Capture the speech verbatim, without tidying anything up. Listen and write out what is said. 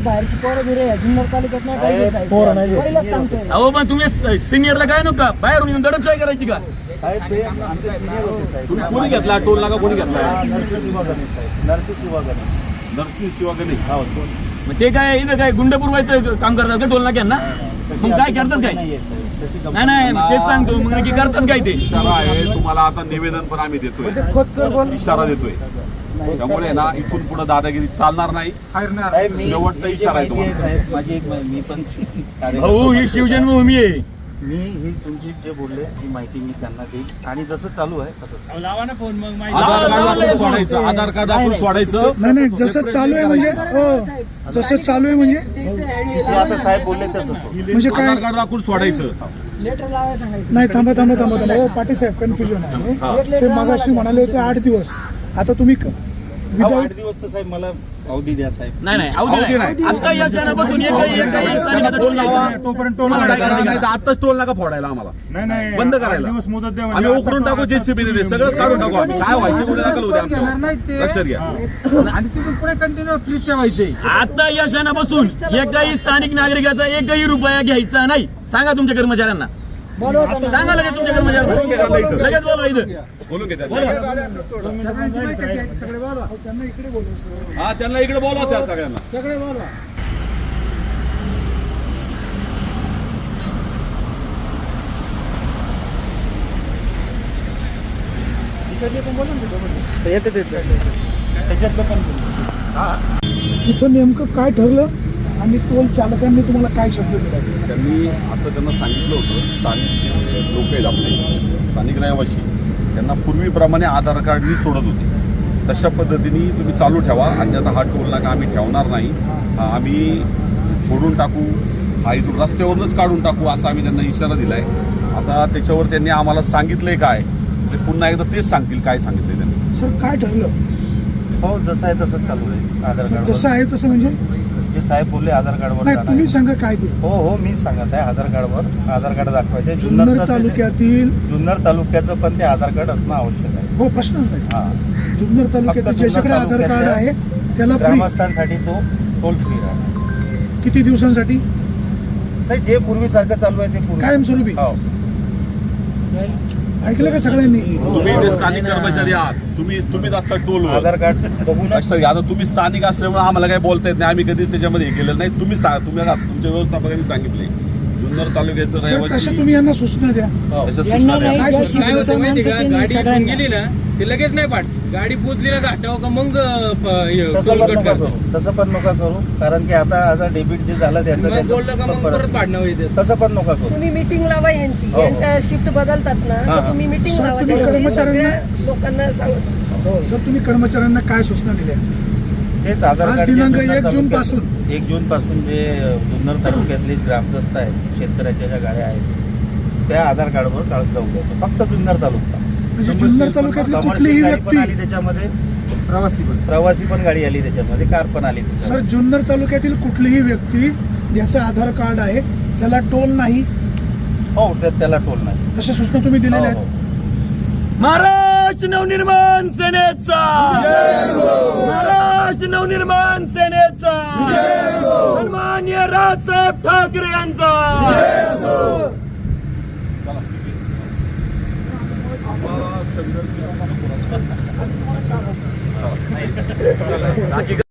बाहेरची पोरं बिरे जुन्नर तालुक्यात नाही पाहिजे पोरं नाही पहिलाच सांगतोय. अहो पण तुम्ही सिनियरला काय नका बाहेरून येऊन दडपशाही करायची का? साहेब ते आमचे सिनियर होते साहेब. तुम्ही कोणी घेतला टोल नाका कोणी घेतला? नरसी शिवागणे साहेब, नरसी शिवागणे. नरसिंह शिवागणे. हो मग ते काय इथं काय गुंड पुरवायचं काम करतात का टोल नाक्यांना? मग काय करतात काय? नाहीये साहेब तशी गंमत नाही नाही तेच सांगतो मग नक्की करतात काय ते? इशारा आहे तुम्हाला आता निवेदन पण आम्ही देतोय, इशारा देतोय. त्यामुळे ना इथून पुढे दादागिरी चालणार नाही. साहेब मी शेवटचा मी जी इशारा आहे माहिती आहे तुम्हाला. साहेब माझी एक मी पण कार्यकर्ता भाऊ ही शिवजन्मभूमी आहे. मी ही तुमची जे बोलले ही माहिती मी त्यांना देईल आणि जसं चालू आहे तसंच लावा ना फोन मग माहिती. आधार कार्ड आपण सोडायचं, आधार कार्ड आपण सोडायचं. नाही नाही जसं चालू आहे म्हणजे हो जसं चालू आहे म्हणजे जे आता साहेब बोलले तसंच होईल. म्हणजे काय आधार कार्ड दाखवून सोडायचं. लेटर लावायला सांगायचं. नाही थांबा थांबा थांबा थांबा हो पाटील साहेब कन्फ्युजन आहे. ते मागाशी म्हणाले होते आठ दिवस आता तुम्ही क- अहो, विदाऊट आठ दिवस तर साहेब मला अवधी द्या साहेब. नाही नाही अवधी अवधी नाही. नाही. आता या क्षणापासून एकही एकही स्थानिकाचा टोल लावा. तोपर्यंत टोल मला नाका काय करा. करायचं? नाही तर आत्ताच टोल नाका फोडायला आम्हाला नाही नाही बंद करायला. दिवस मुदत द्या आम्ही उकरून टाकू जेसीबी देते सगळं काढून टाकू आम्ही. काय व्हायचे कुठे दाखल होते आमच्या लक्षात घ्या. आणि तिथून पुढे कंटिन्यू फ्रीज ठेवायचे. आता या क्षणापासून एकही स्थानिक नागरिकाचा एकही रुपया घ्यायचा नाही. सांगा तुमच्या कर्मचाऱ्यांना, बोलवा त्यांना. सांगा लगेच तुमच्या कर्मचाऱ्यांना, लगेच बोला इथं. बोलून घेते त्यांना इकडे बोलू सर हा त्यांना इकडे बोलवा त्या सगळ्यांना. सगळे बोलवा. येते ते त्याच्यातलं पण इथं नेमकं काय ठरलं आणि टोल चालकांनी तुम्हाला काय शब्द दिला? त्यांनी आता त्यांना सांगितलं होतं स्थानिक जे लोक आहेत आपले स्थानिक रहिवासी त्यांना पूर्वीप्रमाणे आधार कार्डनी सोडत होते. तशा पद्धतीने तुम्ही चालू ठेवा आणि आता हा टोल नाका आम्ही ठेवणार नाही, हा आम्ही फोडून टाकू, हा इथून रस्त्यावरूनच काढून टाकू असा आम्ही त्यांना इशारा दिला आहे. आता त्याच्यावर त्यांनी आम्हाला सांगितलंय काय ते पुन्हा एकदा तेच सांगतील काय सांगितलंय त्यांनी. सर काय ठरलं? हो जसं आहे तसंच चालू आहे आधार कार्ड. जसं आहे तसं म्हणजे जे साहेब बोलले आधार कार्डवर नाही जाणार तुम्ही आहे. सांगा काय ते. हो हो मी सांगत आहे आधार कार्डवर आधार कार्ड दाखवायचे. जुन्नर जुन्नर तालुक्यातील जुन्नर तालुक्याचं पण ते आधार कार्ड असणं आवश्यक आहे. हो प्रश्नच नाही. हा जुन्नर तालुक्यात फक्त ज्याच्याकडे जुन्नर आधार कार्ड आहे त्याला फ्री. ग्रामस्थांसाठी तो टोल फ्री राहणार. किती दिवसांसाठी? नाही जे पूर्वीसारखं चालू आहे ते पूर्वी कायमस्वरूपी. हो ऐकलं का सगळ्यांनी? तुम्ही इथे स्थानिक कर्मचारी आहात, तुम्ही तुम्हीच असता टोलवर. आधार कार्ड बघूनच लक्षात घ्या. आता तुम्ही स्थानिक असल्यामुळे आम्हाला काही बोलता येत नाही, आम्ही कधीच त्याच्यामध्ये हे केलेलं नाही. तुम्ही सांगा, तुम्ही आता तुमच्या व्यवस्थापकांनी सांगितले जुन्नर तालुक्याचं सर कसं रहिवासी तुम्ही यांना सूचना द्या. तशा सूचना यांना द्या. नाही काय ज्या सूचना? काय होतं माहिती का, शिवसैनिकांची गाडी इथून सगळ्यांना. गेली ना ते लगेच नाही पाठ. गाडी पोचली ना घाटावर का मग तसं पण नका करू तसं पण नका करू कारण की आता आता डेबिट जे झालं त्याचं बोललं का मग परत त्याचं पाडणं होईल. तसं पण नका करू. तुम्ही मीटिंग लावा यांची, हो. यांच्या शिफ्ट बदलतात ना हा. तर तुम्ही मीटिंग सर, लावा तुम्ही त्यांची, कर्मचाऱ्यांना- सगळ्या लोकांना सांगा. सर तुम्ही कर्मचाऱ्यांना काय सूचना दिल्या? हेच आधार आज कार्ड जे दिनांक जुन्नर एक जून तालुक्यात- पासून. एक जून पासून जे जुन्नर तालुक्यातले ग्रामदस्त आहेत शेतकऱ्याच्या ज्या गाड्या आहेत त्या आधार कार्डवर काढत जाऊ द्यायचं. फक्त जुन्नर तालुका म्हणजे जुन्नर तालुक्यातली कमर्शियल कुठलीही गाडी पण आली व्यक्ती त्याच्यामध्ये प्रवासी पण प्रवासी पण गाडी आली त्याच्यामध्ये कार पण आली सर त्याच्यामध्ये. जुन्नर तालुक्यातील कुठलीही व्यक्ती ज्याचं आधार कार्ड आहे त्याला टोल नाही हो त्या- त्याला टोल नाही. तशा सूचना तुम्ही हो, दिलेल्या हो. आहेत. महाराष्ट्र नवनिर्माण सेनेचा महाराष्ट्र नवनिर्माण सेनेचा सन्मान्य राजसाहेब ठाकरे यांचा बाकी